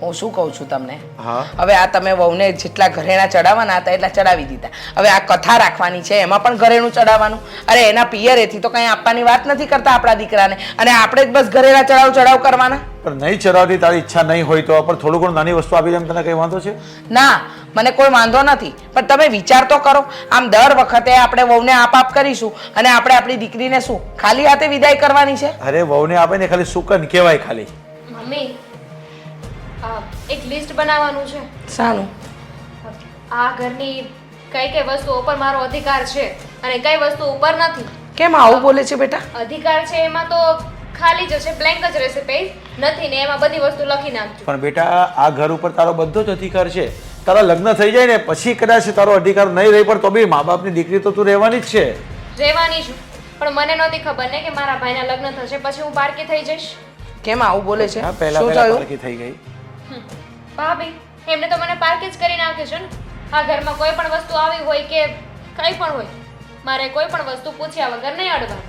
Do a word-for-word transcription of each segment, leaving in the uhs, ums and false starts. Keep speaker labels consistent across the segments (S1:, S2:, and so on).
S1: હું શું કહું છું તમને
S2: હા
S1: હવે આ તમે વહુને જેટલા ઘરેણા ચડાવવાના હતા એટલા ચડાવી દીધા હવે આ કથા રાખવાની છે એમાં પણ ઘરેણું ચડાવવાનું અરે એના પિયરેથી તો કંઈ આપવાની વાત નથી કરતા આપણા દીકરાને અને આપણે જ બસ ઘરેણા ચડાવ ચડાવ કરવાના
S2: પણ નહીં ચડાવતી તારી ઈચ્છા નહીં હોય તો પણ થોડું ઘણું નાની વસ્તુ આપી દે એમ તને કઈ વાંધો છે
S1: ના મને કોઈ વાંધો નથી પણ તમે વિચાર તો કરો આમ દર વખતે આપણે વહુને આપ આપ કરીશું અને આપણે આપણી દીકરીને શું ખાલી હાથે વિદાય કરવાની છે
S2: અરે વહુને આપે ને ખાલી સુકન કહેવાય ખાલી
S3: મમ્મી આ એક લિસ્ટ બનાવવાનું છે
S1: શાનું
S3: આ ઘરની કઈ કઈ વસ્તુઓ ઉપર મારો અધિકાર છે અને કઈ વસ્તુ ઉપર નથી
S1: કેમ આવું બોલે છે બેટા
S3: અધિકાર છે એમાં તો ખાલી જ હશે બ્લેન્ક જ રહેશે પેજ નથી ને એમાં બધી વસ્તુ લખી નાખજો
S2: પણ બેટા આ ઘર ઉપર તારો બધો જ અધિકાર છે તારા લગ્ન થઈ જાય ને પછી કદાચ તારો અધિકાર નહીં રહી પણ તો બી મા બાપની દીકરી તો તું રહેવાની જ છે
S3: રહેવાની છું પણ મને નહોતી ખબર ને કે મારા ભાઈના લગ્ન થશે પછી હું પારકી થઈ જઈશ
S1: કેમ આવું બોલે છે
S2: હા પહેલા
S1: શું
S2: પહેલા
S1: થયું
S2: પારકી થઈ ગઈ
S3: હમ. ભાભી એમને તો મને પારકી જ કરી નાખ્યો છે ને આ ઘરમાં કોઈ પણ વસ્તુ આવી હોય કે કંઈ પણ હોય મારે કોઈ પણ વસ્તુ પૂછ્યા વગર નહીં અડવાનું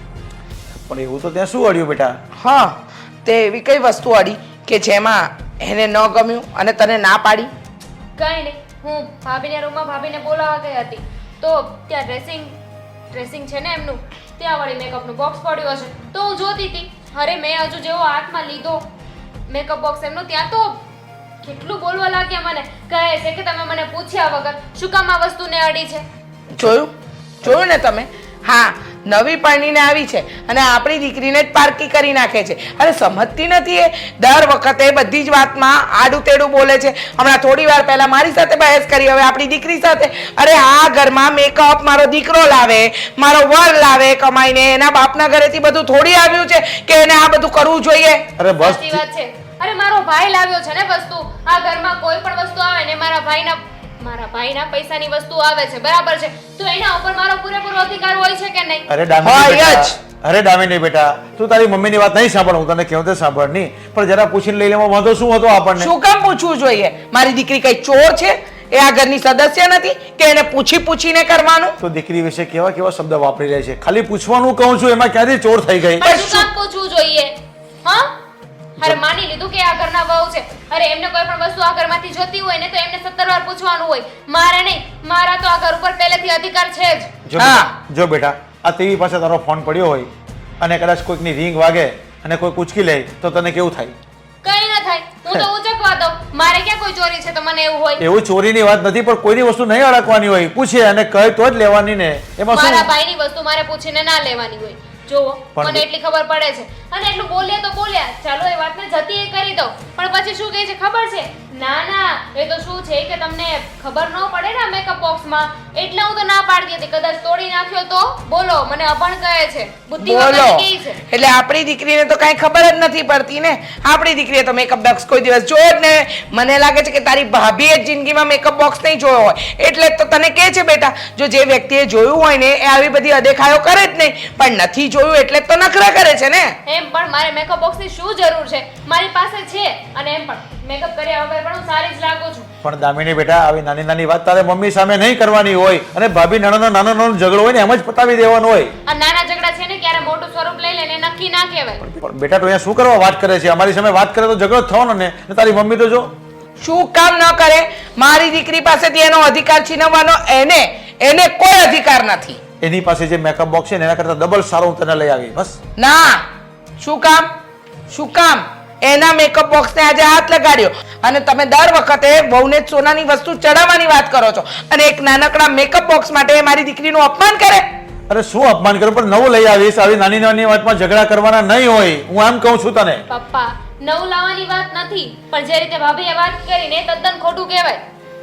S2: પણ એવું તો ત્યાં શું અડ્યું બેટા
S1: હા તે એવી કઈ વસ્તુ અડી કે જેમાં એને ન ગમ્યું અને તને ના પાડી
S3: કંઈ નહીં હું ભાભીના રૂમમાં ભાભીને બોલાવવા ગઈ હતી તો ત્યાં ડ્રેસિંગ ડ્રેસિંગ છે ને એમનું ત્યાં વળી મેકઅપનું બોક્સ પડ્યું હશે તો હું જોતી હતી અરે મેં હજુ જેવો હાથમાં લીધો મેકઅપ બોક્સ એમનું ત્યાં તો કેટલું બોલવા લાગ્યા મને કહે છે કે તમે મને પૂછ્યા વગર શું કામ આ વસ્તુને અડી છે
S1: જોયું જોયું ને તમે હા નવી પરણીને આવી છે અને આપણી દીકરીને જ પારકી કરી નાખે છે અરે સમજતી નથી એ દર વખતે બધી જ વાતમાં આડું તેડું બોલે છે હમણાં થોડી વાર પહેલા મારી સાથે બહેસ કરી હવે આપણી દીકરી સાથે અરે આ ઘરમાં મેકઅપ મારો દીકરો લાવે મારો વર લાવે કમાઈને એના બાપના ઘરેથી બધું થોડી આવ્યું છે કે એને આ બધું કરવું જોઈએ
S2: અરે બસ
S3: સાચી વાત છે અરે મારો ભાઈ લાવ્યો છે ને વસ્તુ આ ઘરમાં કોઈ પણ વસ્તુ આવે ને મારા ભાઈના મારા ભાઈના પૈસાની વસ્તુ આવે છે બરાબર છે તો એના ઉપર મારો પૂરેપૂરો અધિકાર હોય છે કે નહીં
S2: અરે ડામી
S1: હોય
S2: બેટા,
S1: જ.
S2: અરે ડામી નહીં બેટા તું તારી મમ્મીની વાત નહીં સાંભળ હું તને કહું તે સાંભળ નહીં પણ જરા પૂછીને લઈ લેવા વાંધો શું હતો આપણને
S1: શું કામ પૂછવું જોઈએ મારી દીકરી કઈ ચોર છે એ આ ઘરની સદસ્ય નથી કે એને પૂછી પૂછીને કરવાનું
S2: તો દીકરી વિશે કેવા કેવા શબ્દ વાપરી રહ્યા છે ખાલી પૂછવાનું કહું છું એમાં ક્યાંથી ચોર થઈ ગઈ
S3: પણ શું કામ પૂછવું જોઈએ હા અરે માની લીધું કે આ ઘરના વહુ છે અરે એમને કોઈ પણ વસ્તુ આ ઘરમાંથી જોતી હોય ને તો એમને સત્તર વાર પૂછવાનું હોય મારે નહીં મારા તો આ ઘર ઉપર પહેલેથી અધિકાર છે જ
S2: જો
S1: હા.
S2: બેટા, જો બેટા આ ટીવી પાસે તારો ફોન પડ્યો હોય અને કદાચ કોઈકની રિંગ વાગે અને કોઈ ઉચકી લે તો તને કેવું થાય
S3: કઈ ના થાય હું તો ઉચકવા દઉં મારે ક્યાં કોઈ ચોરી છે તો મને એવું હોય
S2: એવું ચોરીની વાત નથી પણ કોઈની વસ્તુ નહીં અડકવાની હોય પૂછે અને કહે તો જ લેવાની ને એમાં
S3: મારા
S2: શું
S3: ભાઈની વસ્તુ મારે પૂછીને ના લેવાની હોય જોવો
S2: પણ
S3: મને એટલી ખબર પડે છે અને એટલું બોલ્યા તો બોલ્યા ચાલો એ વાતને જતી એ કરી દઉં પણ પછી શું કહે છે ખબર છે ના ના એ તો શું છે કે તમને ખબર ન પડે ને મેકઅપ બોક્સમાં એટલે હું તો ના પાડતી હતી કદાચ તોડી નાખ્યો તો બોલો મને અભણ કહે છે બુદ્ધિ
S1: બોલો
S3: વગર કહે છે
S1: એટલે આપણી દીકરીને તો કઈ ખબર જ નથી પડતી ને આપણી દીકરીએ તો મેકઅપ બોક્સ કોઈ દિવસ જોયો જ ને મને લાગે છે કે તારી ભાભીએ જ જિંદગીમાં મેકઅપ બોક્સ નહીં જોયો હોય એટલે જ તો તને કહે છે બેટા જો જે વ્યક્તિએ જોયું હોય ને એ આવી બધી અદેખાયો કરે જ નહીં પણ નથી જોયું એટલે જ તો નખરા કરે છે ને
S3: એમ પણ મારે મેકઅપ બોક્સની શું જરૂર છે મારી પાસે છે અને એમ પણ મેકઅપ કર્યા વગર પણ હું સારી જ લાગુ છું
S2: પણ દામિની બેટા આવી નાની નાની વાત તારે મમ્મી સામે નહીં કરવાની હોય અને ભાભી નાનો નાનો નાનો ઝઘડો હોય ને એમ જ પતાવી દેવાનો હોય
S3: આ નાના ઝઘડા છે ને ક્યારે મોટું સ્વરૂપ લઈ લે ને નક્કી ના કહેવાય
S2: પણ બેટા તો અહીંયા શું કરવા વાત કરે છે અમારી સામે વાત કરે તો ઝઘડો જ થવાનો ને ને તારી મમ્મી તો જો
S1: શું કામ ન કરે મારી દીકરી પાસેથી એનો અધિકાર છીનવવાનો એને એને કોઈ અધિકાર નથી
S2: એની પાસે જે મેકઅપ બોક્સ છે ને એના કરતા ડબલ સારો હું તને લઈ આવી બસ
S1: ના શું કામ શું કામ એના મેકઅપ બોક્સને આજે હાથ લગાડ્યો અને તમે દર વખતે વહુને જ સોનાની વસ્તુ ચડાવવાની વાત કરો છો અને એક નાનકડા મેકઅપ બોક્સ માટે મારી દીકરીનું અપમાન કરે
S2: અરે શું અપમાન કરું પણ નવું લઈ આવીશ આવી નાની નાની વાતમાં ઝઘડા કરવાના નહીં હોય હું એમ કહું છું તને
S3: પપ્પા નવું લાવવાની વાત નથી પણ જે રીતે ભાભીએ વાત કરીને એ તદ્દન ખોટું કહેવાય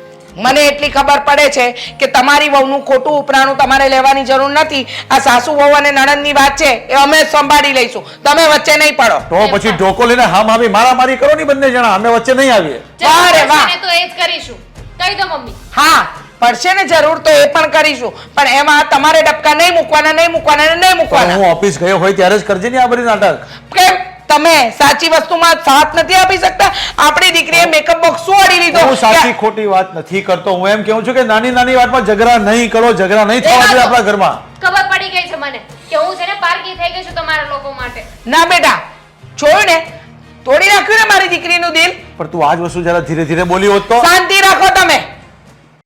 S1: મને એટલી ખબર પડે છે કે તમારી વહુનું ખોટું ઉપરાણું તમારે લેવાની જરૂર નથી આ સાસુ વહુ અને નણંદની વાત છે એ અમે જ સંભાળી લઈશું તમે વચ્ચે નહીં પડો
S2: તો પછી ઢોકો લઈને હામ હામી મારા મારી કરો ને બંને જણા અમે વચ્ચે નહીં આવીએ
S1: વાહ રે વાહ.
S3: જરૂર પડશે ને તો એ જ કરીશું કહી દો મમ્મી
S1: હા પડશે ને જરૂર તો એ પણ કરીશું પણ એમાં તમારે ડબકા નહીં મૂકવાના નહીં મૂકવાના ને નહીં
S2: પણ
S1: મૂકવાના
S2: હું ઓફિસ ગયો હોય ત્યારે જ કરજે ને આ બધી નાટક
S1: કેમ તમે સાચી વસ્તુમાં સાથ નથી આપી શકતા આપણી દીકરીએ મેકઅપ બોક્સ શું અડી લીધો
S2: હું સાચી ખોટી વાત નથી કરતો હું એમ કહું છું કે નાની નાની વાતમાં ઝઘડા નહીં કરો ઝઘડા નહીં થવા જોઈએ આપણા ઘરમાં
S3: ખબર પડી ગઈ છે મને કે હું છે ને પારકી થઈ ગઈ છું તમારા લોકો માટે
S1: ના બેટા જોયું ને તોડી નાખ્યું ને મારી દીકરીનું દિલ.
S2: પણ તું આ જ વસ્તુ જરા ધીરે ધીરે બોલી હોત તો
S1: શાંતિ